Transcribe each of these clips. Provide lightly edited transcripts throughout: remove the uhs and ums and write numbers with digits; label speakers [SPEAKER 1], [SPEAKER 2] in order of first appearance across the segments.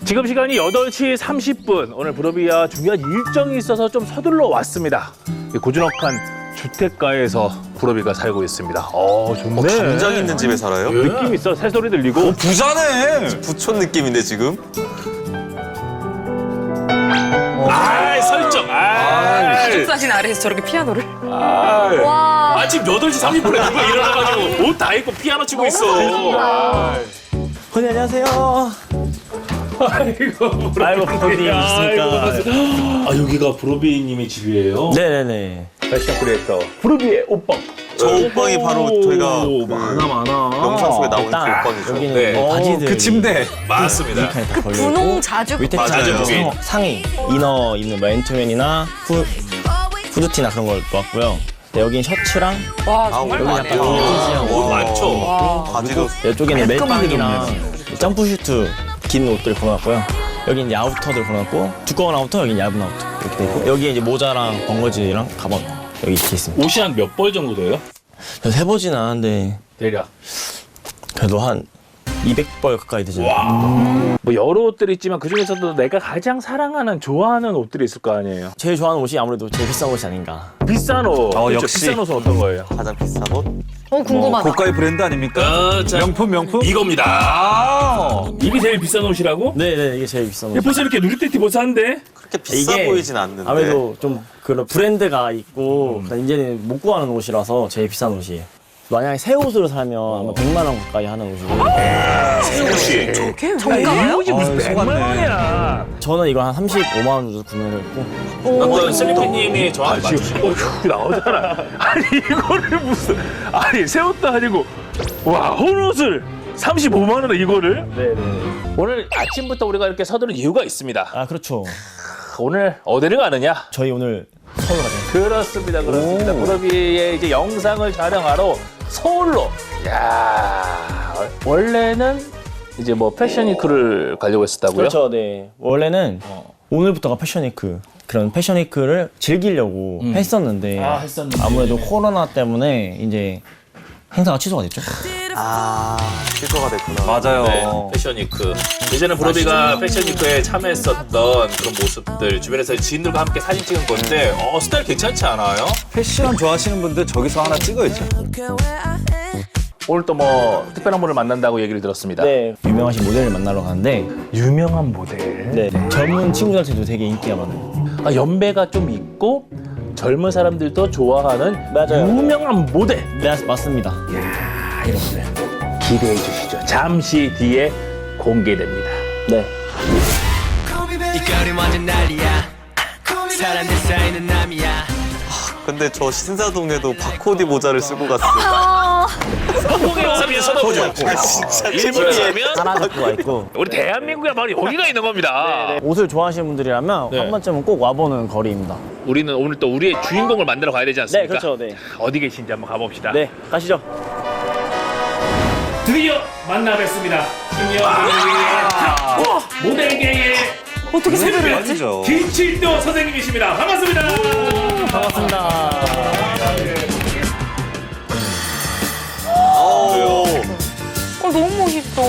[SPEAKER 1] 지금 시간이 8시 30분. 오늘 브로비아 중요한 일정이 있어서 좀 서둘러 왔습니다. 이 고즈넉한 주택가에서 브로비가 살고 있습니다. 좋네.
[SPEAKER 2] 담장 있는 집에 살아요?
[SPEAKER 1] 느낌 있어. 새소리 들리고.
[SPEAKER 3] 부자네.
[SPEAKER 2] 부촌 느낌인데 지금?
[SPEAKER 1] 설정.
[SPEAKER 4] 사진 아래에서 저렇게 피아노를.
[SPEAKER 1] 와. 아침 8시 30분에 누가 일어나가지고 옷 다 입고 피아노 치고 있어.
[SPEAKER 5] 선생님 안녕하세요.
[SPEAKER 1] 아이고,
[SPEAKER 5] 브로비 있으니까.
[SPEAKER 1] 여기가 브로비님의 집이에요?
[SPEAKER 5] 네네네.
[SPEAKER 1] 패션 크리에이터 브로비의 옷방.
[SPEAKER 2] 저 옷방이 바로 저희가
[SPEAKER 1] 많아.
[SPEAKER 2] 영상 속에 나오는 그
[SPEAKER 5] 딱
[SPEAKER 2] 옷방이죠.
[SPEAKER 5] 여기는
[SPEAKER 1] 네.
[SPEAKER 5] 뭐 바지들.
[SPEAKER 3] 그 침대.
[SPEAKER 1] 맞습니다.
[SPEAKER 4] 그 분홍 자주
[SPEAKER 5] 밑에
[SPEAKER 1] 맞아요.
[SPEAKER 5] 상의, 이너 입는 맨투맨이나 후드티나 그런 걸 놓았고요. 네, 여긴 셔츠랑
[SPEAKER 4] 와 정말
[SPEAKER 5] 여기
[SPEAKER 4] 많네요.
[SPEAKER 5] 약간
[SPEAKER 1] 옷 많죠?
[SPEAKER 4] 와.
[SPEAKER 2] 바지도
[SPEAKER 5] 이쪽에는 멜빵이랑 점프슈트 긴 옷들 걸어놨고요. 여기 이제 아우터들 걸어놨고 두꺼운 아우터, 여기 얇은 아우터 이렇게 돼 있고 여기 이제 모자랑 번거지랑 가방 여기 이렇게 있습니다.
[SPEAKER 1] 옷이 한 몇 벌 정도 돼요?
[SPEAKER 5] 저 세보진 않았는데
[SPEAKER 1] 대략.
[SPEAKER 5] 그래도 한 200벌 가까이 되죠.
[SPEAKER 1] 뭐 여러 옷들이 있지만 그 중에서도 내가 가장 사랑하는 좋아하는 옷들이 있을 거 아니에요.
[SPEAKER 5] 제일 좋아하는 옷이 아무래도 제일 비싼 옷이 아닌가.
[SPEAKER 1] 비싼 옷. 그렇죠?
[SPEAKER 3] 역시.
[SPEAKER 1] 비싼 옷은 어떤 거예요?
[SPEAKER 2] 가장 비싼 옷?
[SPEAKER 4] 궁금하다.
[SPEAKER 3] 고가의 브랜드 아닙니까?
[SPEAKER 1] 자,
[SPEAKER 3] 명품?
[SPEAKER 1] 이겁니다. 이게 제일 비싼 옷이라고?
[SPEAKER 5] 네네 이게 제일 비싼 옷.
[SPEAKER 1] 벌써 이렇게 누리떼 티버스한데?
[SPEAKER 2] 그렇게 비싸 보이진 않는데.
[SPEAKER 5] 아무래도 좀 그런 브랜드가 있고 이제는 못 구하는 옷이라서 제일 비싼 옷이에요. 만약에 새 옷으로 사면 아마 100만 원 가까이 하는 옷이고
[SPEAKER 1] 혹시
[SPEAKER 4] 정가요?
[SPEAKER 1] 옷이 무슨 100만 원이야.
[SPEAKER 5] 저는 이거 한 35만 원 정도 구매를 했고
[SPEAKER 1] 어떤 슬리피님이 저한테 맞추시고 나오잖아. 아니 이거를 무슨 새 옷도 아니고 와 혼옷을 35만 원에 이거를?
[SPEAKER 5] 네네.
[SPEAKER 1] 오늘 아침부터 우리가 이렇게 서두른 이유가 있습니다.
[SPEAKER 5] 아 그렇죠.
[SPEAKER 1] 오늘 어디를 가느냐?
[SPEAKER 5] 저희 오늘 서울 가잖아요.
[SPEAKER 1] 그렇습니다. 브로비의 이제 영상을 촬영하러 서울로. 야 원래는 이제 뭐 패션위크를 가려고 했었다고요?
[SPEAKER 5] 그렇죠. 네. 원래는 오늘부터가 패션위크. 그런 패션위크를 즐기려고 했었는데 아무래도 코로나 때문에 이제 행사가 취소가 됐죠.
[SPEAKER 2] 취소가 됐구나.
[SPEAKER 3] 맞아요.
[SPEAKER 1] 네, 패션위크. 예전에 브로비가 패션위크에 참여했었던 그런 모습들 주변에서 지인들과 함께 사진 찍은 건데 스타일 괜찮지 않아요?
[SPEAKER 3] 패션 좋아하시는 분들 저기서 하나 찍어야죠.
[SPEAKER 1] 오늘 또 뭐 특별한 분을 만난다고 얘기를 들었습니다.
[SPEAKER 5] 네. 유명하신 모델을 만나러 가는데
[SPEAKER 1] 유명한 모델.
[SPEAKER 5] 네. 젊은 친구들한테도 되게 인기가 많아요.
[SPEAKER 1] 연배가 좀 있고 젊은 사람들도 좋아하는
[SPEAKER 5] 맞아요.
[SPEAKER 1] 유명한 모델.
[SPEAKER 5] 네, 맞습니다.
[SPEAKER 1] 여러분들 기대해 주시죠. 잠시 뒤에 공개됩니다.
[SPEAKER 5] 네.
[SPEAKER 6] 이 거리 완전 난리야 사람들 사이는 남이야
[SPEAKER 2] 근데 저 신사동에도 바코디 모자를 쓰고 갔어요.
[SPEAKER 1] 서비스 서도죠.
[SPEAKER 2] 진짜
[SPEAKER 1] 일본이면
[SPEAKER 5] 하나주가 있고
[SPEAKER 1] 우리 대한민국에 바로 여기가 있는 겁니다.
[SPEAKER 5] 옷을 좋아하시는 분들이라면
[SPEAKER 1] 네.
[SPEAKER 5] 한 번쯤은 꼭 와보는 거리입니다.
[SPEAKER 1] 우리는 오늘 또 우리의 주인공을 만나러 가야 되지 않습니까?
[SPEAKER 5] 네, 그렇죠. 네.
[SPEAKER 1] 어디 계신지 한번 가봅시다.
[SPEAKER 5] 네, 가시죠.
[SPEAKER 1] 드디어 만나 뵙습니다. 시니어 모델계의
[SPEAKER 4] 어떻게 세배를 했지?
[SPEAKER 3] 아니죠.
[SPEAKER 1] 김칠도 선생님이십니다. 반갑습니다.
[SPEAKER 5] 반갑습니다.
[SPEAKER 4] 너무 멋있어.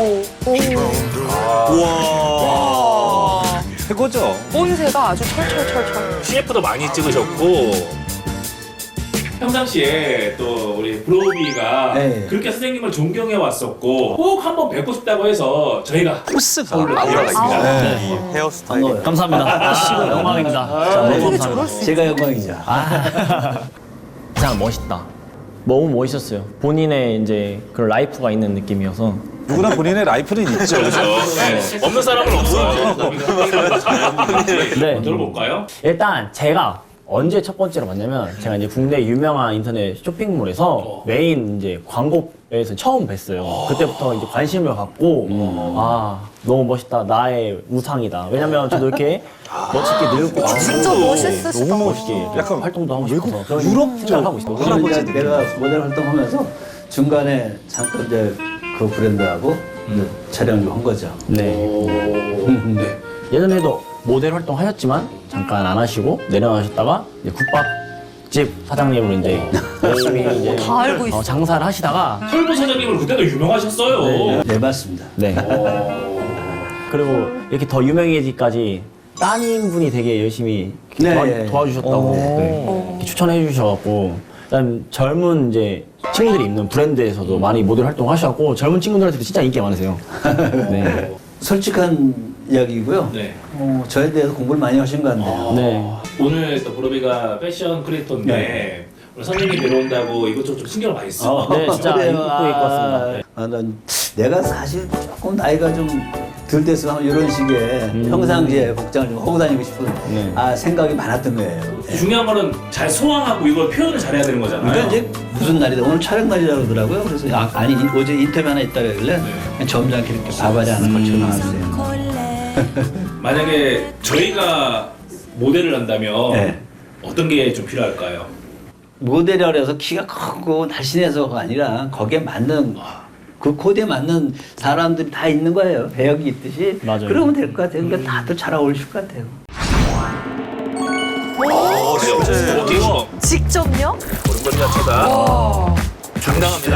[SPEAKER 2] 우와.
[SPEAKER 3] 최고죠.
[SPEAKER 4] 본새가 아주 철철철철.
[SPEAKER 1] CF도 많이 찍으셨고 평상시에 또 우리 브로비가
[SPEAKER 5] 네.
[SPEAKER 1] 그렇게 선생님을 존경해 왔었고 꼭 한번 뵙고 싶다고 해서 저희가
[SPEAKER 3] 코스가
[SPEAKER 1] 아우라가 있습니다.
[SPEAKER 2] 이 헤어스타일.
[SPEAKER 5] 감사합니다. 영광입니다.
[SPEAKER 4] 어떻게 저럴 수 있어?
[SPEAKER 5] 제가 영광이죠. 참 멋있다. 너무 멋있었어요. 본인의 이제 그런 라이프가 있는 느낌이어서.
[SPEAKER 3] 누구나 본인의 라이프는 있죠. 그죠?
[SPEAKER 1] 네. 없는 사람은 없어요.
[SPEAKER 5] 네.
[SPEAKER 1] 들어볼까요?
[SPEAKER 5] 일단 제가 언제 첫 번째로 봤냐면 제가 이제 국내 유명한 인터넷 쇼핑몰에서 메인 이제 광고에서 처음 뵀어요. 그때부터 이제 관심을 갖고 너무 멋있다. 나의 우상이다. 왜냐면 저도 이렇게 멋있게 늙고
[SPEAKER 4] 진짜 멋있으시다.
[SPEAKER 5] 너무 멋있게 약간 활동도 하고 싶어서 그런 생각을 하고 있어요.
[SPEAKER 7] 이제 내가 모델 활동하면서 중간에 잠깐 이제 그 브랜드하고 이제 촬영 좀 한 거죠.
[SPEAKER 5] 네. 예전에도 모델 활동 하셨지만 잠깐 안 하시고 내려가셨다가 이제 국밥집 사장님으로 이제 열심히 이제
[SPEAKER 4] 다 알고 있어.
[SPEAKER 5] 장사를 하시다가
[SPEAKER 1] 털보 사장님은 그때도 유명하셨어요.
[SPEAKER 7] 네, 맞습니다.
[SPEAKER 5] 네. 그리고 이렇게 더 유명해지기까지 따님분이 되게 열심히
[SPEAKER 7] 네.
[SPEAKER 5] 도와주셨다고 네. 추천해 주셔갖고 그다음 젊은 이제 친구들이 입는 브랜드에서도 많이 모델 활동하셔갖고 젊은 친구들한테도 진짜 인기가 많으세요. 네.
[SPEAKER 7] 솔직한 이야기고요.
[SPEAKER 1] 네.
[SPEAKER 7] 저에 대해서 공부를 많이 하신 것 같네요.
[SPEAKER 5] 네.
[SPEAKER 1] 오늘 또 보로비가 패션 크리에이터인데
[SPEAKER 7] 네.
[SPEAKER 1] 오늘 선생님이 내려온다고 이것저것 좀 신경을 많이 써.
[SPEAKER 5] 네, 진짜
[SPEAKER 7] 그래요.
[SPEAKER 5] 입고 입고 왔습니다. 네.
[SPEAKER 7] 난 내가 사실 조금 나이가 좀 덜 돼서 이런 식의 평상시에 복장을 좀 하고 다니고 싶은
[SPEAKER 5] 네.
[SPEAKER 7] 생각이 많았던 거예요.
[SPEAKER 1] 중요한 거는 잘 소화하고 이걸 표현을 잘해야 되는 거잖아요.
[SPEAKER 7] 그러니까 이제 무슨 날이다 오늘 촬영 날이라고 그러더라고요. 그래서 아니 어제 인터뷰 하나 있다 그러길래 그냥 점잖게 이렇게 바바리 하나 걸쳐 나왔어요.
[SPEAKER 1] 만약에 저희가 모델을 한다면
[SPEAKER 7] 네.
[SPEAKER 1] 어떤 게 좀 필요할까요?
[SPEAKER 7] 모델이라 해서 키가 크고 날씬해서가 아니라 거기에 맞는 그 코드에 맞는 사람들이 다 있는 거예요. 배역이 있듯이.
[SPEAKER 5] 맞아요.
[SPEAKER 7] 그러면 될 것 같아요. 그러니까 다들 잘 어울리실 것 같아요.
[SPEAKER 1] 워킹
[SPEAKER 4] 직접요?
[SPEAKER 1] 오른발 자체가
[SPEAKER 4] 와.
[SPEAKER 1] 당당합니다.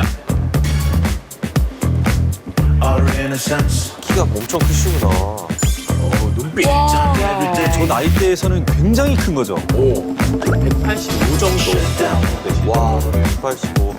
[SPEAKER 2] 키가 엄청 크시구나.
[SPEAKER 1] 눈빛
[SPEAKER 3] 저 나이대에서는 굉장히 큰 거죠.
[SPEAKER 1] 185 정도.
[SPEAKER 2] 와, 185.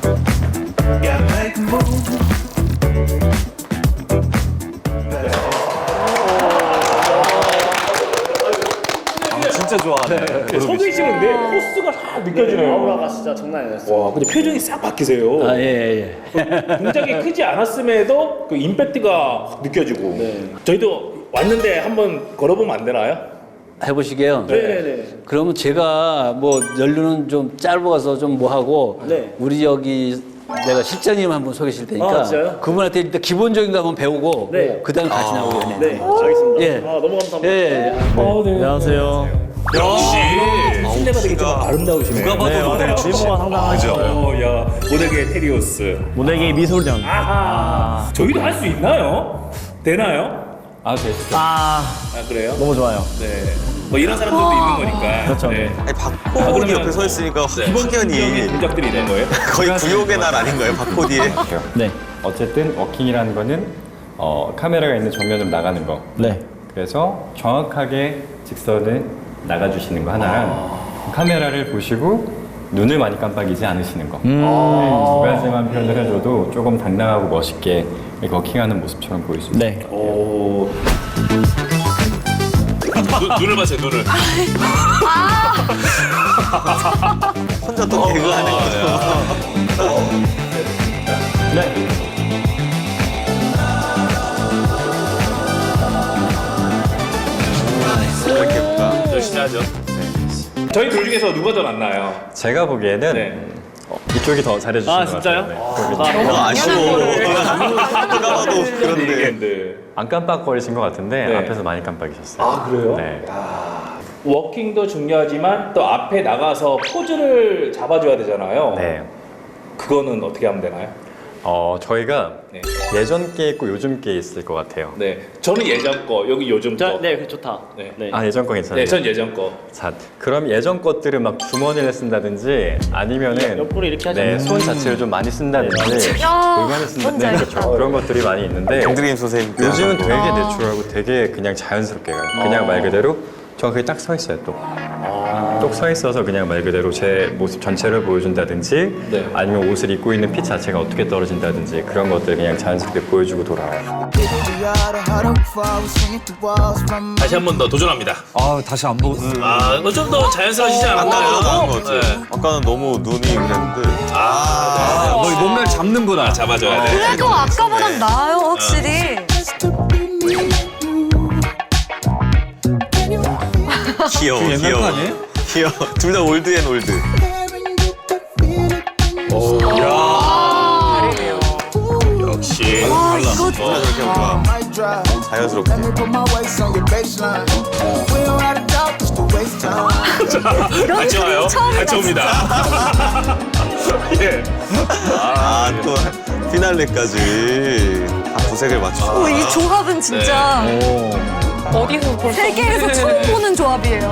[SPEAKER 3] 진짜 좋아하네.
[SPEAKER 1] 서 계시는데 포스가 싹 느껴지네요.
[SPEAKER 5] 아우라가 진짜 장난이 아니었어요.
[SPEAKER 1] 와, 근데 표정이 싹 바뀌세요.
[SPEAKER 7] 아, 예.
[SPEAKER 1] 굉장히 크지 않았음에도 그 임팩트가 확 느껴지고. 저희도 왔는데 한번 걸어보면 안 되나요?
[SPEAKER 7] 해보시게요.
[SPEAKER 5] 네네네.
[SPEAKER 7] 그러면 제가 뭐 연륜은 좀 짧아서 좀 뭐하고
[SPEAKER 5] 네.
[SPEAKER 7] 우리 여기 내가 실장님 한 분 소개시킬 테니까
[SPEAKER 5] 아, 진짜요?
[SPEAKER 7] 그분한테 일단 기본적인 거 한번 배우고
[SPEAKER 5] 네.
[SPEAKER 7] 그다음에 같이 나오겠네요.
[SPEAKER 5] 네, 알겠습니다.
[SPEAKER 7] 예.
[SPEAKER 5] 아, 너무 감사합니다.
[SPEAKER 7] 예.
[SPEAKER 5] 안녕하세요.
[SPEAKER 1] 역시 실내가 되게 좀 아름다우시네요.
[SPEAKER 3] 누가 봐도 모델 출신.
[SPEAKER 5] 외모가 상당하죠.
[SPEAKER 1] 야, 모델계 테리오스.
[SPEAKER 5] 모델계 미소년.
[SPEAKER 1] 아하. 저희도 할 수 있나요? 되나요?
[SPEAKER 3] 아, 되시죠.
[SPEAKER 5] 아,
[SPEAKER 1] 아, 그래요?
[SPEAKER 5] 너무 좋아요.
[SPEAKER 1] 네. 뭐 이런 사람들도 있는 거니까.
[SPEAKER 5] 그렇죠.
[SPEAKER 1] 네.
[SPEAKER 2] 아니, 박코디 옆에 서 있으니까 확연히
[SPEAKER 1] 동작들이 있는 거예요?
[SPEAKER 2] 거의 구욕의 날 아닌가요, 박코디에?
[SPEAKER 5] 네.
[SPEAKER 8] 어쨌든 워킹이라는 거는 카메라가 있는 정면으로 나가는 거.
[SPEAKER 5] 네.
[SPEAKER 8] 그래서 정확하게 직선을 나가주시는 거 하나랑 카메라를 보시고 눈을 많이 깜빡이지 않으시는 거. 두 가지만 표현을 해줘도 조금 당당하고 멋있게 이렇게 워킹하는 모습처럼 보일 수 있어요.
[SPEAKER 5] 네.
[SPEAKER 1] 오. 눈을 봐세요, 눈을.
[SPEAKER 2] 혼자 또 개그하는 거죠.
[SPEAKER 5] 네.
[SPEAKER 2] 이렇게 볼까?
[SPEAKER 1] 열심히 하죠. 저희 둘 중에서 누가 더 낫나요?
[SPEAKER 8] 제가 보기에는
[SPEAKER 1] 네.
[SPEAKER 8] 이쪽이 더 잘해주시는
[SPEAKER 5] 아,
[SPEAKER 8] 것
[SPEAKER 5] 진짜요?
[SPEAKER 8] 같아요. 네.
[SPEAKER 2] 아쉬워. 누가 봐도 그런데.
[SPEAKER 1] 네.
[SPEAKER 8] 안 깜빡거리신 것 같은데
[SPEAKER 1] 네.
[SPEAKER 8] 앞에서 많이 깜빡이셨어요.
[SPEAKER 1] 아, 그래요?
[SPEAKER 8] 네.
[SPEAKER 1] 워킹도 중요하지만 또 앞에 나가서 포즈를 잡아줘야 되잖아요.
[SPEAKER 8] 네.
[SPEAKER 1] 그거는 어떻게 하면 되나요?
[SPEAKER 8] 저희가
[SPEAKER 1] 네.
[SPEAKER 8] 예전 게 있고 요즘 게 있을 것 같아요.
[SPEAKER 1] 네. 저는 예전 거, 여기 요즘 거.
[SPEAKER 5] 네, 그 좋다.
[SPEAKER 1] 네.
[SPEAKER 5] 네.
[SPEAKER 8] 아, 예전 거 괜찮아요?
[SPEAKER 1] 네, 전 예전 거.
[SPEAKER 8] 자, 그럼 예전 것들은 막 주머니를 쓴다든지 아니면은
[SPEAKER 5] 옆구리 이렇게 하지
[SPEAKER 8] 네,
[SPEAKER 5] 않나요?
[SPEAKER 8] 손 자체를 좀 많이 쓴다든지
[SPEAKER 4] 야,
[SPEAKER 8] 골반을 쓴다든지
[SPEAKER 4] 뭔지 알겠다.
[SPEAKER 8] 그렇죠. 그런 것들이 많이 있는데
[SPEAKER 2] gendrim 선생님 때
[SPEAKER 8] 요즘은
[SPEAKER 2] 하던
[SPEAKER 8] 되게
[SPEAKER 2] 거.
[SPEAKER 8] 내추럴하고 되게 그냥 자연스럽게 가요. 그냥 말 그대로 정확하게 딱 서 있어요, 또. 똑 서 있어서 그냥 말 그대로 제 모습 전체를 보여준다든지
[SPEAKER 1] 네.
[SPEAKER 8] 아니면 옷을 입고 있는 핏 자체가 어떻게 떨어진다든지 그런 것들 그냥 자연스럽게 보여주고 돌아와요.
[SPEAKER 1] 다시 한 번 더 도전합니다.
[SPEAKER 3] 아, 다시 안 보고.
[SPEAKER 1] 아, 좀 더 자연스러워지지
[SPEAKER 2] 아까보다
[SPEAKER 1] 않았나요?
[SPEAKER 2] 나은 것 같아요.
[SPEAKER 1] 네.
[SPEAKER 2] 아까는 너무 눈이 그랬는데.
[SPEAKER 3] 아, 뭐 몸매를 잡는구나.
[SPEAKER 1] 잡아줘야 돼.
[SPEAKER 4] 그래도 아까보단 나아요, 확실히.
[SPEAKER 2] 귀여워,
[SPEAKER 3] 옛날 거
[SPEAKER 2] 귀여워.
[SPEAKER 3] 아니에요?
[SPEAKER 2] 귀여워. 둘 다 올드 앤 올드.
[SPEAKER 1] 역시.
[SPEAKER 4] 와, 이거
[SPEAKER 2] 저렇게 뭔가 자연스럽게.
[SPEAKER 1] 같이 와요. 같이 옵니다. 예.
[SPEAKER 2] 아, 또 피날레까지 다 구색을 맞추고.
[SPEAKER 4] 이 조합은 진짜
[SPEAKER 9] 어디서 볼 수
[SPEAKER 4] 세계에서 처음 보는 조합이에요.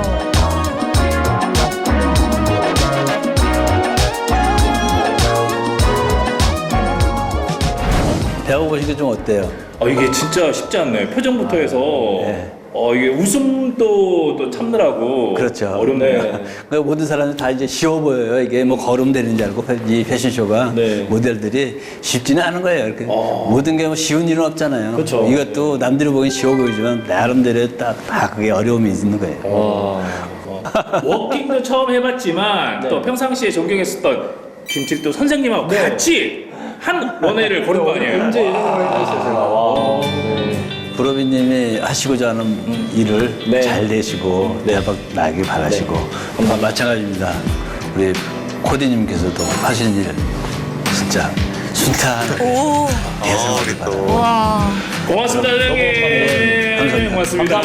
[SPEAKER 7] 배워보시기 좀 어때요?
[SPEAKER 1] 이게 진짜 쉽지 않네요. 표정부터 해서
[SPEAKER 7] 네.
[SPEAKER 1] 이게 웃음도 또 참느라고
[SPEAKER 7] 그렇죠.
[SPEAKER 1] 어렵네요.
[SPEAKER 7] 그 모든 사람들 다 이제 쉬워 보여요. 이게 뭐 걸음되는 줄 알고 이 패션쇼가
[SPEAKER 5] 네.
[SPEAKER 7] 모델들이 쉽지는 않은 거예요. 이렇게 모든 게 뭐 쉬운 일은 없잖아요.
[SPEAKER 5] 그렇죠.
[SPEAKER 7] 이것도 남들이 보기엔 쉬워 보이지만 나름대로 다 그게 어려움이 있는 거예요.
[SPEAKER 1] 워킹도 처음 해봤지만 또 평상시에 존경했었던 김칠도 선생님하고 같이 한 원회를 걸은 거 아니에요? 언제 이런 걸 했었어요?
[SPEAKER 7] 부러비님이 하시고자 하는 일을 잘 되시고 대박 나길 바라시고 마찬가지입니다. 우리 코디님께서도 하시는 일 진짜 순탄하게 대성하길 바랍니다.
[SPEAKER 4] 와.
[SPEAKER 1] 고맙습니다, 선생님.
[SPEAKER 7] 감사합니다.
[SPEAKER 1] 고맙습니다.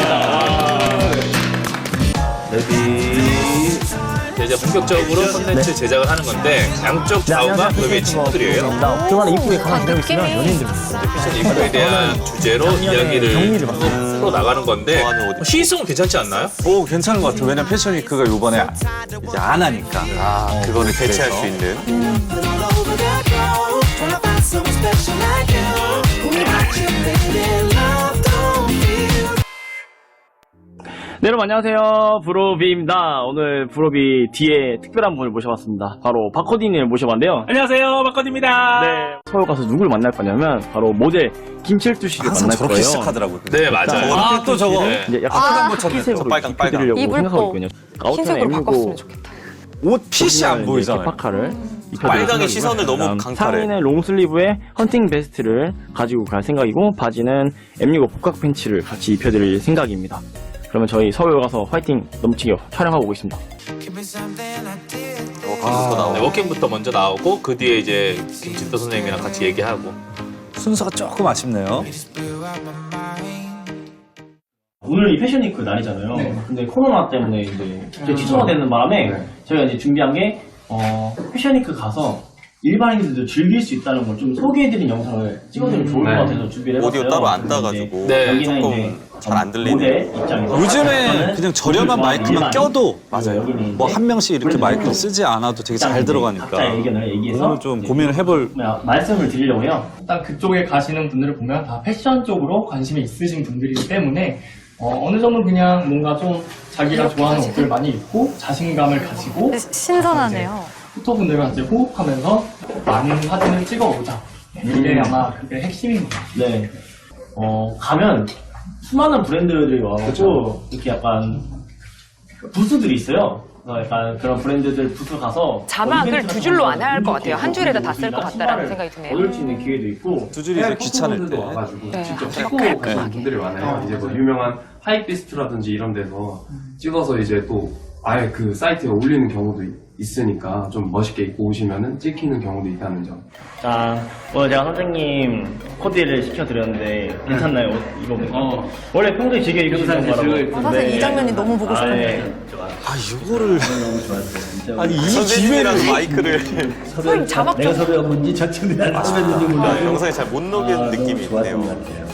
[SPEAKER 1] 이제 본격적으로 콘텐츠 제작을 하는 건데 양쪽 좌우가 부러비의 친구들이에요.
[SPEAKER 5] 그만 이쁘게 가만히 기다리고 있으면
[SPEAKER 4] 느낌이-
[SPEAKER 5] 연예인들
[SPEAKER 1] 패션 이슈에 대한 주제로 이야기를
[SPEAKER 5] 정리를 막
[SPEAKER 1] 풀어 나가는 건데
[SPEAKER 2] 좋아하는 옷.
[SPEAKER 1] 시의성은 괜찮지 않나요?
[SPEAKER 3] 오 괜찮은 것 같아요. 왜냐면 패션위크가 요번에 이제 안 하니까.
[SPEAKER 2] 그거를 대체할 수 있는.
[SPEAKER 5] 네, 여러분 안녕하세요. 브로비입니다. 오늘 브로비 뒤에 특별한 분을 모셔봤습니다. 바로 박코디님을 모셔봤는데요.
[SPEAKER 1] 안녕하세요, 박건입니다.
[SPEAKER 5] 네, 서울 가서 누굴 만날 거냐면 바로 모델 김칠두 씨를
[SPEAKER 3] 항상
[SPEAKER 5] 만날
[SPEAKER 3] 저렇게
[SPEAKER 5] 거예요.
[SPEAKER 3] 시작하더라고요.
[SPEAKER 1] 네, 맞아요.
[SPEAKER 3] 또 저거.
[SPEAKER 1] 네.
[SPEAKER 5] 이제 약간
[SPEAKER 3] 빨간 거 쳤네.
[SPEAKER 5] 흰색으로
[SPEAKER 2] 빨강, 빨강.
[SPEAKER 5] 입혀드리려고
[SPEAKER 9] 입을
[SPEAKER 5] 생각하고
[SPEAKER 9] 거
[SPEAKER 5] 있거든요. 아웃톤
[SPEAKER 9] 흰색으로
[SPEAKER 5] M65
[SPEAKER 9] 바꿨으면 좋겠다.
[SPEAKER 3] 옷 핏이 안 보이잖아요.
[SPEAKER 5] 개파카를
[SPEAKER 2] 빨강의 시선을 너무 강탈해.
[SPEAKER 5] 상의는 롱슬리브에 헌팅 베스트를 가지고 갈 생각이고 바지는 M65 복각 팬츠를 같이 입혀드릴 생각입니다. 그러면 저희 서울 가서 화이팅 넘치게 촬영하고 오겠습니다.
[SPEAKER 1] 네, 워킹부터 먼저 나오고 그 뒤에 이제 김칠도 선생님이랑 같이 얘기하고.
[SPEAKER 3] 순서가 조금 아쉽네요.
[SPEAKER 5] 오늘 이 패션위크 날이잖아요. 근데 코로나 때문에 이제 취소가 되는 바람에 저희가 이제 준비한 게 패션위크 가서 일반인들도 즐길 수 있다는 걸 좀 소개해드린 영상을 찍어드리면 좋을 것 같아서 준비를 해봤어요.
[SPEAKER 2] 오디오 따로 안 따가지고
[SPEAKER 1] 네,
[SPEAKER 5] 여기는
[SPEAKER 2] 조금
[SPEAKER 5] 이제
[SPEAKER 2] 잘 안 들리는.
[SPEAKER 5] 모델 입장에서
[SPEAKER 3] 요즘에 그냥 저렴한 마이크만 껴도
[SPEAKER 5] 여기는
[SPEAKER 3] 뭐
[SPEAKER 5] 이제
[SPEAKER 3] 한 명씩 이렇게
[SPEAKER 5] 브랜드
[SPEAKER 3] 마이크를
[SPEAKER 5] 로고
[SPEAKER 3] 쓰지 않아도 되게 잘
[SPEAKER 5] 각자
[SPEAKER 3] 들어가니까
[SPEAKER 5] 의견을 얘기해서
[SPEAKER 3] 오늘 좀 고민을 해볼.
[SPEAKER 5] 말씀을 드리려고 해요.
[SPEAKER 10] 일단 그쪽에 가시는 분들을 보면 다 패션 쪽으로 관심이 있으신 분들이기 때문에 어느 정도 그냥 뭔가 좀 자기가 좋아하는 옷을 많이 입고 자신감을 가지고
[SPEAKER 4] 신선하네요.
[SPEAKER 10] 포토분들과 이제 호흡하면서 많은 사진을 찍어오자. 이게 아마 그게 핵심입니다.
[SPEAKER 5] 네. 가면 수많은 브랜드들이 와가지고 이렇게 약간 부스들이 있어요. 약간 그런 브랜드들 부스 가서
[SPEAKER 9] 자막을 두 줄로 안 할 것 같아요. 한 줄에다 다 쓸 것 같다라는 생각이 드네요.
[SPEAKER 5] 얻을 수 있는 기회도 있고
[SPEAKER 3] 두 줄이 이제 귀찮을 때.
[SPEAKER 10] 와가지고
[SPEAKER 9] 네.
[SPEAKER 10] 직접
[SPEAKER 9] 아,
[SPEAKER 10] 찍고
[SPEAKER 9] 그렇게
[SPEAKER 10] 가시는 분들이 많아요. 이제 뭐 유명한 하이비스트라든지 이런 데서 찍어서 이제 또 아예 그 사이트에 올리는 경우도 있으니까 좀 멋있게 입고 오시면은 찍히는 경우도 있다는 점.
[SPEAKER 5] 자, 오늘 제가 선생님 코디를 시켜드렸는데 괜찮나요? 이거 원래 평소에 즐겨 입으시는 거라고.
[SPEAKER 4] 사실 이 장면이 너무 보고 싶은데.
[SPEAKER 3] 아 이거를 아니 이
[SPEAKER 2] 선생님이랑
[SPEAKER 3] 기회를
[SPEAKER 2] 마이크를
[SPEAKER 9] 선생님 자막
[SPEAKER 7] 내가
[SPEAKER 9] 좀
[SPEAKER 7] 섭외한 건지 저쪽이 나를 섭외했는지 몰라.
[SPEAKER 2] 영상에 잘 못 녹이는 느낌이 있네요.